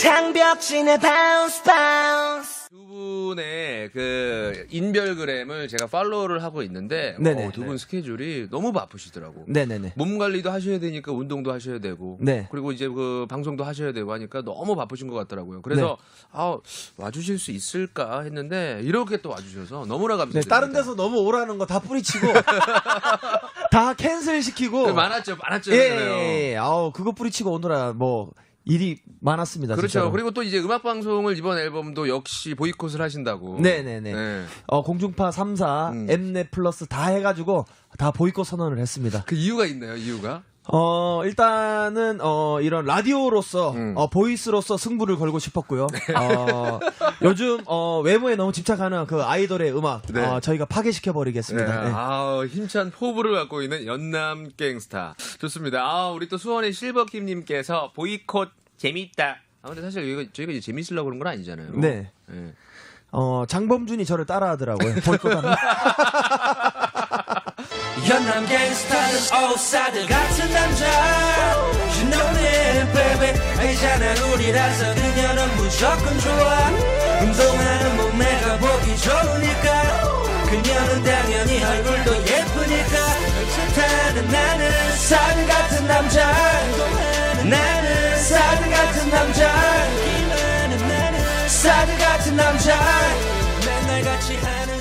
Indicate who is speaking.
Speaker 1: 장벽진의 bounce bounce.
Speaker 2: 두 분의 그 인별그램을 제가 팔로우를 하고 있는데 두 분 스케줄이 너무 바쁘시더라고.
Speaker 3: 네네네.
Speaker 2: 몸 관리도 하셔야 되니까 운동도 하셔야 되고,
Speaker 3: 네.
Speaker 2: 그리고 이제 그 방송도 하셔야 되고 하니까 너무 바쁘신 것 같더라고요. 그래서 와주실 수 있을까 했는데 이렇게 또 와주셔서 너무나 감사드립니다.
Speaker 3: 네, 다른 데서 너무 오라는 거 다 뿌리치고 다 캔슬 시키고
Speaker 2: 많았죠.
Speaker 3: 예. 아우 그거 뿌리치고 오느라 뭐 일이 많았습니다.
Speaker 2: 그렇죠.
Speaker 3: 진짜로.
Speaker 2: 그리고 또 이제 음악 방송을 이번 앨범도 역시 보이콧을 하신다고.
Speaker 3: 네네네.
Speaker 2: 네.
Speaker 3: 공중파 3사, 엠넷 플러스 다 해가지고 다 보이콧 선언을 했습니다.
Speaker 2: 그 이유가 있나요? 이유가?
Speaker 3: 일단은 이런 라디오로서 보이스로서 승부를 걸고 싶었고요. 요즘 외모에 너무 집착하는 그 아이돌의 음악 저희가 파괴시켜 버리겠습니다.
Speaker 2: 네.
Speaker 3: 네.
Speaker 2: 힘찬 포부를 갖고 있는 연남 갱스타. 좋습니다. 우리 또 수원의 실버킴님께서 보이콧 재밌다. 근데 사실 저희가 이제 재밌으려고 그런 건 아니잖아요.
Speaker 3: 네.
Speaker 2: 네.
Speaker 3: 장범준이 저를 따라하더라고요. 보이콧하면.
Speaker 1: 연남 갱스타는 오사들 같은 남자. You know it, baby. 알잖아 우리라서 그녀는 무조건 좋아. 운동하는 몸매가 보기 좋으니까. 그녀는 당연히 얼굴도 예쁘니까. 좋다는 나는 사들 같은 남자. 나는 사들 같은 남자. 사들 같은 남자. 맨날 같이 하는